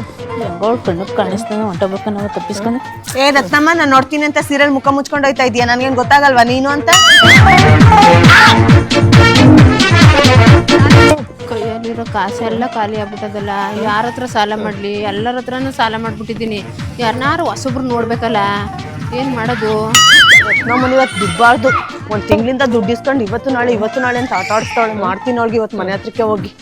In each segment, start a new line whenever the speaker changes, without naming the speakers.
ಹೆಂಗೋಳ್ ಕಣ್ಣು ಕಾಣಿಸ್ತಾನೆ ಹೊಂಟೋಗ್ಬೇಕು ನಾವು ತಪ್ಪಿಸ್ಕೊಂಡು.
ಏ ರತ್ನಮ್ಮ, ನಾನು ನೋಡ್ತೀನಿ ಅಂತ ಸೀರಿಯಲ್ ಮುಖ ಮುಚ್ಕೊಂಡು ಹೋಯ್ತಾ ಇದೀಯ, ನನ್ಗೇನ್ ಗೊತ್ತಾಗಲ್ವಾ ನೀನು ಅಂತ?
ಕೈಯಲ್ಲಿರೋ ಕಾಸೆಲ್ಲ ಖಾಲಿ ಆಗ್ಬಿಟ್ಟದಲ್ಲ, ಯಾರ ಹತ್ರ ಸಾಲ ಮಾಡ್ಲಿ? ಎಲ್ಲರ ಹತ್ರನೂ ಸಾಲ ಮಾಡ್ಬಿಟ್ಟಿದ್ದೀನಿ. ಯಾರನ್ನಾರು ಹೊಸಬ್ರು ನೋಡ್ಬೇಕಲ್ಲ, ಏನ್ ಮಾಡೋದು?
ರತ್ನಮ್ಮನ ಇವತ್ತು ದುಡ್ಬಾರ್ದು. ಒಂದ್ ತಿಂಗಳಿಂದ ದುಡ್ಡು ಇಸ್ಕೊಂಡು ಇವತ್ತು ನಾಳೆ ಅಂತ ಆಟ ಆಡಿಸ್ತಾವಳೆ. ಮಾಡ್ತೀನಿ ಅವಳಿಗೆ ಇವತ್ತು ಮನೆ ಹತ್ರಕ್ಕೆ ಹೋಗಿ.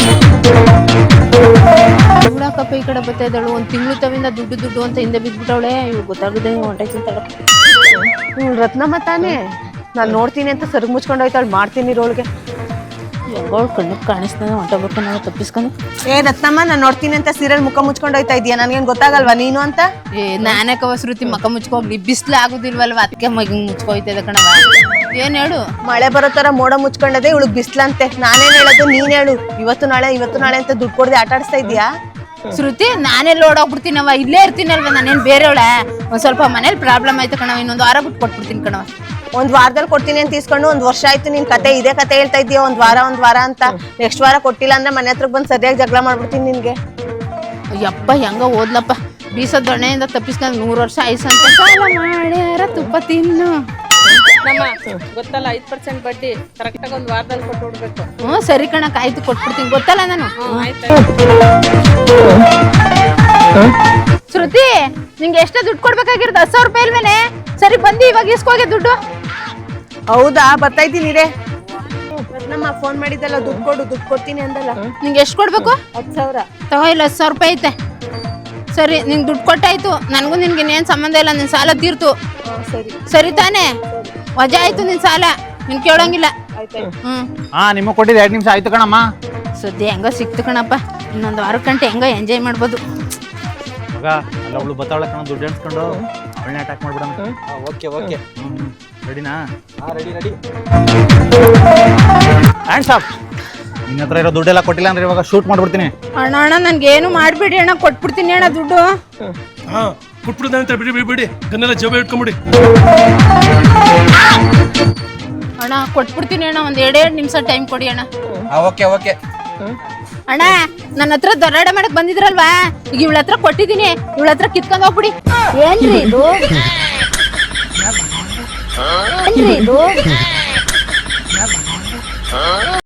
ಹುಡಾಕಪ್ಪ ಈ ಕಡೆ ಬರ್ತಾ ಇದ್ದಾಳು. ಒಂದ್ ತಿಂಗಳು ತವಿಂದ ದುಡ್ಡು ಅಂತ ಹಿಂದೆ ಬಿದ್ಬಿಟ್ಟವಳೆ. ಇವ್ ಗೊತ್ತಾಗದೆ ಹೊಂಟೈತಿಂತಾಳ.
ರತ್ನಮ್ಮ ತಾನೇ, ನಾನ್ ನೋಡ್ತೀನಿ ಅಂತ ಸರಗ್ ಮುಚ್ಕೊಂಡು ಹೋಯ್ತಾಳು. ಮಾಡ್ತೀನಿ ಇರೋಳಿಗೆ.
ಹೆಂಗೋಳ್ ಕಣ್ಣು ಕಾಣಿಸ್ತಾನೆ ಹೊಂಟೋಗ್ಬೇಕು ನಾವು ತಪ್ಪಿಸ್ಕೊಂಡು.
ಏ ರತ್ನಮ್ಮ, ನಾನ್ ನೋಡ್ತೀನಿ ಅಂತ ಸೀರಿಯಲ್ ಮುಖ ಮುಚ್ಕೊಂಡು ಹೋಯ್ತಾ ಇದೀಯ, ನನ್ಗೇನ್ ಗೊತ್ತಾಗಲ್ವಾ ನೀನು ಅಂತ?
ನಾನೇ ಕವಸೃತಿ ಮಕ ಮುಚ್ಕೋಗ್ಲಿ, ಬಿಸ್ಲು ಆಗುದಿಲ್ವಲ್ವ, ಅದಕ್ಕೆ ಮಗ ಮುಚ್ಕೋಯ್ತದ ಕಣವ. ಏನ್ ಹೇಳು?
ಮಳೆ ಬರೋ ತರ ಮೋಡ ಮುಚ್ಕೊಂಡದೆ, ಇವಳು ಬಿಸ್ಲಂತೆ. ನಾನೇನ್ ಹೇಳೋದು, ನೀನ್ ಹೇಳು. ಇವತ್ತು ನಾಳೆ ಅಂತ ದುಡ್ಡು ಕೊಡದೆ ಆಟ ಆಡಿಸ್ತಾ ಇದೀಯಾ?
ಶ್ರುತಿ, ನಾನೆಲ್ಲ ಓಡೋಗ್ಬಿಡ್ತೀನವ, ಇಲ್ಲೇ ಇರ್ತೀನಲ್ವ, ನಾನೇನ್ ಬೇರೆಯವಳ? ಒಂದ್ ಸ್ವಲ್ಪ ಮನೇಲಿ ಪ್ರಾಬ್ಲಮ್ ಆಯ್ತು ಕಣವ, ಇನ್ನೊಂದು ವಾರ ಬಿಟ್ಟು ಕೊಟ್ಬಿಡ್ತೀನಿ ಕಣವ.
ಒಂದ್ ವಾರದಲ್ಲಿ ಕೊಡ್ತೀನಿ ಅಂತ ಇಸ್ಕೊಂಡು 1 ವರ್ಷ ಆಯ್ತು. ನಿನ್ ಇದೇ ಕತೆ ಹೇಳ್ತಾ ಇದೀಯ, ಒಂದ್ ವಾರ ಅಂತ. ನೆಕ್ಸ್ಟ್ ವಾರ ಕೊಟ್ಟಿಲ್ಲ ಅಂದ್ರೆ ಮನೆ ಹತ್ರಕ್ ಬಂದು ಸರಿಯಾಗಿ ಜಗಳ ಮಾಡ್ಬಿಡ್ತೀನಿ ನಿನ್ಗೆ.
ಯಪ್ಪ ಹೆಂಗ ಓದ್ಲಪ್ಪ, ಬೀಸದ ದೊಣ್ಣೆಯಿಂದ ತಪ್ಪಿಸ್ಕೊಂಡು 100 ವರ್ಷ ಆಯ್ಸಂತ. ಸಾಲ ಮಾಡ್ಯಾರ ತುಪ್ಪ ತಿನ್ನು.
ಗೊತ್ತಲ್ಲ, 5% ಬಡ್ಡಿ ಕರೆಕ್ಟ್ ಆಗಿ 1 ವಾರದಲ್ಲಿ ಕೊಟ್ಟು ಬಿಡ್ಬೇಕು.
ಸರಿ ಕಣಕ್, ಆಯ್ತು ಕೊಟ್ಬಿಡ್ತೀನಿ. ಗೊತ್ತಲ್ಲ ನಾನು. ಶ್ರುತಿ, ನಿಂಗೆ ಎಷ್ಟ ದುಡ್ಡು ಕೊಡ್ಬೇಕಾಗಿರೋದು? 10,000 ರೂಪಾಯಿ ಇಲ್ವೇನೆ? ಸರಿ ಬಂದಿ, ಇವಾಗ ಇಸ್ಕೋಗೆ ದುಡ್ಡು.
ಹೌದಾ, ಬರ್ತಾ ಇದ್ದೀನಿ ರೇ. ನಮ್ಮ ಫೋನ್ ಮಾಡಿದ್ದಲ್ಲ, ದುಡ್ಡು ಕೊಡ್ತೀನಿ ಅಂದಲ್ಲ.
ನಿಂಗೆ ಎಷ್ಟು ಕೊಡ್ಬೇಕು?
10,000.
ತಗೋ, ಇಲ್ಲ 10,000 ರೂಪಾಯಿ ಐತೆ. ಸರಿ, ನಿಂಗೆ ದುಡ್ಡು ಕೊಟ್ಟಾಯ್ತು. ನನಗೂ ನಿನ್ಗೆ ಏನ್ ಸಂಬಂಧ ಇಲ್ಲ, ನಿನ್ ಸಾಲ ತೀರ್ತು. ಸರಿ ತಾನೇ? ವಜಾ ಆಯ್ತು ನಿನ್ ಸಾಲ, ನಿನ್ ಕೇಳೋಂಗಿಲ್ಲ.
ನಿಮಗೆ ಕೊಟ್ಟಿದ್ದು 2 ನಿಮಿಷ ಆಯ್ತು ಕಣಮ್ಮ.
ಸುದ್ದಿ ಹೆಂಗೋ ಸಿಕ್ತು ಕಣಪ್ಪ. ಇನ್ನೊಂದು ವಾರ ಗಂಟೆ ಹೆಂಗೋ ಎಂಜಾಯ್ ಮಾಡ್ಬೋದು.
ಮಗ ಅಲ್ಲ, ಅವಳು ಬತ್ತಾವಳ ಕಣ, ದುಡ್ಡು ಎಣಿಸ್ಕೊಂಡು ಅವಳನ್ನ ಅಟ್ಯಾಕ್ ಮಾಡ್ಬಿಡೋಣ.
ಓಕೆ
ರೆಡಿನಾ?
ರೆಡಿ.
Hands up. ನಿನ್ನ ಹತ್ರ ಇರೋ ದುಡ್ಡೆಲ್ಲ ಕೊಟ್ಟಿಲ್ಲ ಅಂದ್ರೆ ಇವಾಗ ಶೂಟ್ ಮಾಡ್ಬಿಡ್ತೀನಿ.
ಅಣ್ಣ ನನ್ಗೇನು ಮಾಡ್ಬಿಡಿ ಅಣ್ಣ, ಕೊಟ್ಬಿಡ್ತೀನಿ ಅಣ್ಣ ದುಡ್ಡು.
ಕೊಟ್ಬಿಡ್ದಂತ ಬಿಡಿ, ಗನ್ನೆಲ್ಲ ಜೋಬೆ ಇಟ್ಕೊಂಬಿಡಿ.
ಅಣ್ಣ ಕೊಟ್ಬಿಡ್ತೀನಿ ಅಣ್ಣ, ಒಂದ್ 2 ನಿಮಿಷ ಟೈಮ್ ಕೊಡಿ ಅಣ್ಣ.
ಓಕೆ.
ಅಣ್ಣ, ನನ್ನ ಹತ್ರ ದೊರಾಡ ಮಾಡಕ್ ಬಂದಿದ್ರಲ್ವಾ, ಈಗ ಇವಳ ಹತ್ರ ಕೊಟ್ಟಿದ್ದೀನಿ, ಇವಳ ಹತ್ರ ಕಿತ್ಕೊಂಡ್ ಹೋಗ್ಬಿಡಿ. ಏನ್ರಿ ಇದು?